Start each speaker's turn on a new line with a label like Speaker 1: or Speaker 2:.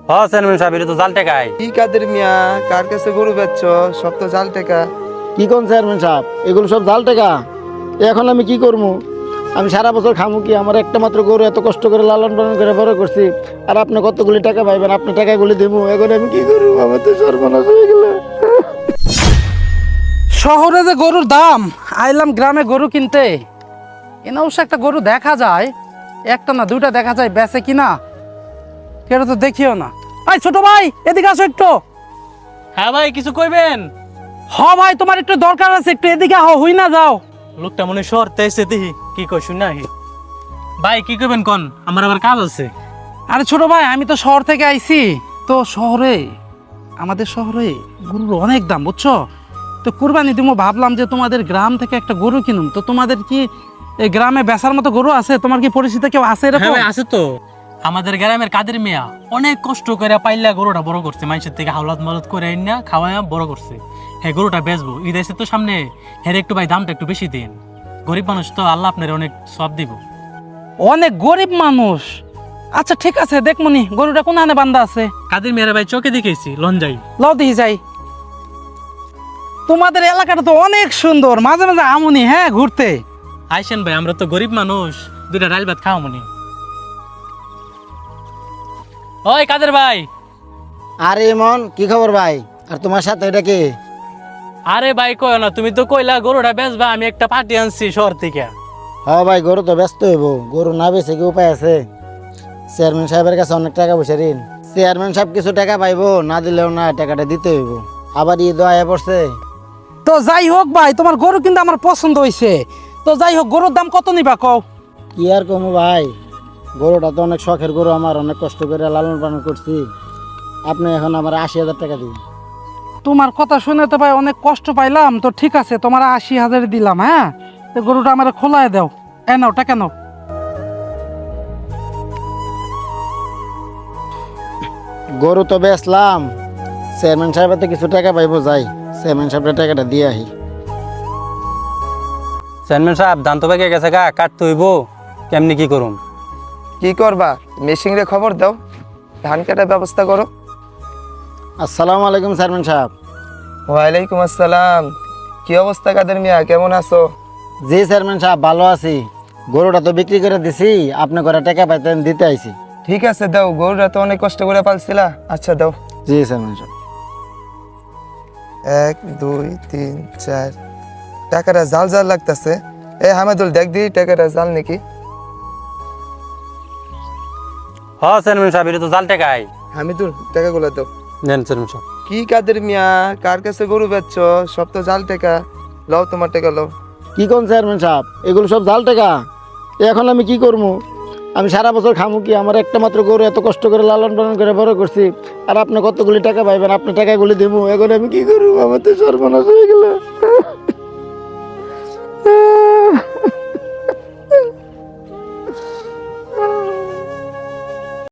Speaker 1: Chairman সাহেব, এটা তো জাল টাকায়।
Speaker 2: কি কাদের মিয়া, কার কাছে গরু বেচছ? সব তো জাল টাকা।
Speaker 3: কি কোন চেয়ারম্যান সাহেব, এগুলো সব জাল টাকা। এখন আমি কি করবো? আমি সারা বছর খামু কি? আমার একটা মাত্র গরু, এত কষ্ট করে লালন পালন করে বড় করছি, আর আপনি কতগুলি টাকা পাইবেন? আপনি টাকাগুলি দেবো, এখন আমি কি করবো? আমার তো সর্বনাশ হয়ে গেল।
Speaker 4: শহরে যে গরুর দাম, আইলাম গ্রামে গরু কিনতে। এনে অবশ্য একটা গরু দেখা যায়, একটা না দুইটা দেখা যায়, বেচে কিনা কেউ তো দেখিও না। ভাই ছোট ভাই, এদিকে আসো একটু।
Speaker 5: হ্যাঁ ভাই, কিছু কইবেন?
Speaker 4: ভাই তোমার একটু দরকার আছে, একটু এদিকে হই না যাও।
Speaker 5: লোকটা মনে শহরতে এসে দেখি কি কই শুন না। ভাই কি কইবেন কোন, আমার আবার কাজ আছে।
Speaker 4: আরে ছোট ভাই, আমি তো শহর থেকে আইছি। তো শহরে, আমাদের শহরে গরুর অনেক দাম, বুঝছো? তো কুরবানি দিমো ভাবলাম যে তোমাদের গ্রাম থেকে একটা গরু কিনুম। তো তোমাদের কি এই গ্রামে বেচার মতো গরু আছে? তোমার কি পরিচিত কেউ আছে
Speaker 5: হ্যাঁ
Speaker 4: এরকম?
Speaker 5: ভাই, আছে তো। আমাদের গ্রামের কাদের মিয়া অনেক কষ্ট করে পাইলা গরুটা বড় করছে, মানুষের থেকে হাওলাত মালত করে না খাওয়ায়া বড় করছে। হ্যাঁ, গরুটা বেচবো, ঈদ এসে তো সামনে। হ্যাঁ একটু ভাই দামটা একটু বেশি দিন, গরিব মানুষ তো, আল্লাহ আপনার অনেক সব দিব।
Speaker 4: অনেক গরিব মানুষ। আচ্ছা ঠিক আছে, দেখমনি গরুটা কোন আনে বান্ধা আছে।
Speaker 5: কাদের মেয়েরা ভাই চোখে দেখেছি, লঞ্জাই।
Speaker 4: লও দিহি যাই। তোমাদের এলাকাটা তো অনেক সুন্দর, মাঝে মাঝে আমনি হ্যাঁ ঘুরতে।
Speaker 5: আইসেন ভাই, আমরা তো গরিব মানুষ, দুইটা ডাল ভাত খাওয়া মনে। ওই কাদের ভাই।
Speaker 3: আরে মন, কি খবর ভাই? আর তোমার সাথে এটা কি?
Speaker 5: আরে ভাই কয় না, তুমি তো কইলা গরুটা বেচবা, আমি একটা পার্টি আনছি শহর থেকে।
Speaker 3: হ্যাঁ ভাই, গরু তো ব্যস্ত হইব। গরু না বেছে কি উপায় আছে? চেয়ারম্যান সাহেবের কাছে অনেক টাকা পয়সা ঋণ। চেয়ারম্যান সাহেব কিছু টাকা পাইবো, না দিলেও না, টাকাটা দিতে হইব। আবার ঈদ আয়া পড়ছে।
Speaker 4: তো যাই হোক ভাই, তোমার গরু কিন্তু আমার পছন্দ হয়েছে। তো যাই হোক, গরুর দাম কত নিবা কও?
Speaker 3: কি আর কমু ভাই, গরুটা তো অনেক শখের গরু আমার, অনেক কষ্ট করে লালন পালন করছি। আপনি এখন আমার 80,000 টাকা দিন।
Speaker 4: তোমার কথা শুনে তো ভাই অনেক কষ্ট পাইলাম। তো ঠিক আছে, তোমার 80,000 দিলাম। হ্যাঁ, তো গরুটা আমার খোলায় দাও। নাও টাকা নাও।
Speaker 3: গরু তো বেচলাম, চেয়ারম্যান সাহেবের তো কিছু টাকা পাইবো। যাই চেয়ারম্যান সাহেবের টাকাটা দিয়ে আহি।
Speaker 1: চেয়ারম্যান সাহেব, ধান তো পেকে গেছে গা, কাটতে হইব, কেমনি কি করুম?
Speaker 2: কি করবা? মেশিন রে খবর দাও, ধান কাটার ব্যবস্থা করো।
Speaker 3: আসসালামু আলাইকুম চেয়ারম্যান সাহেব।
Speaker 2: ওয়ালাইকুম আসসালাম। কি অবস্থা কাদের মিয়া, কেমন আছো?
Speaker 3: জি চেয়ারম্যান সাহেব, ভালো আছি। গরুটা তো বিক্রি করে দিছি, আপনি করে টাকা পাইতেন, দিতে আইছি।
Speaker 2: ঠিক আছে দাও, গরুটা তো অনেক কষ্ট করে পালছিলা। আচ্ছা দাও।
Speaker 3: জি চেয়ারম্যান সাহেব।
Speaker 2: 1 2 3 4 টাকাটা জাল জাল লাগতেছে। হামাদুল দেখ দি টাকাটা জাল নাকি।
Speaker 1: চেয়ারম্যান সাহেব, এটা তো জাল টাকায়।
Speaker 2: হামিদুল টাকাগুলো দাও।
Speaker 1: নেন চেয়ারম্যান সাহেব।
Speaker 2: কি কাদের মিয়া, কার কাছে গরু বেচছ? সব তো জাল টাকা। লও তোমার টাকা লও।
Speaker 3: কি কোন চেয়ারম্যান সাহেব, এগুলো সব জাল টাকা। এখন আমি কি করবো? আমি সারা বছর খামু কি? আমার একটা মাত্র গরু, এত কষ্ট করে লালন পালন করে বড় করছি, আর আপনি কতগুলি টাকা পাইবেন? আপনি টাকাগুলি দেবো, এখন আমি কি করবো? আমার তো সর্বনাশ হয়ে গেল।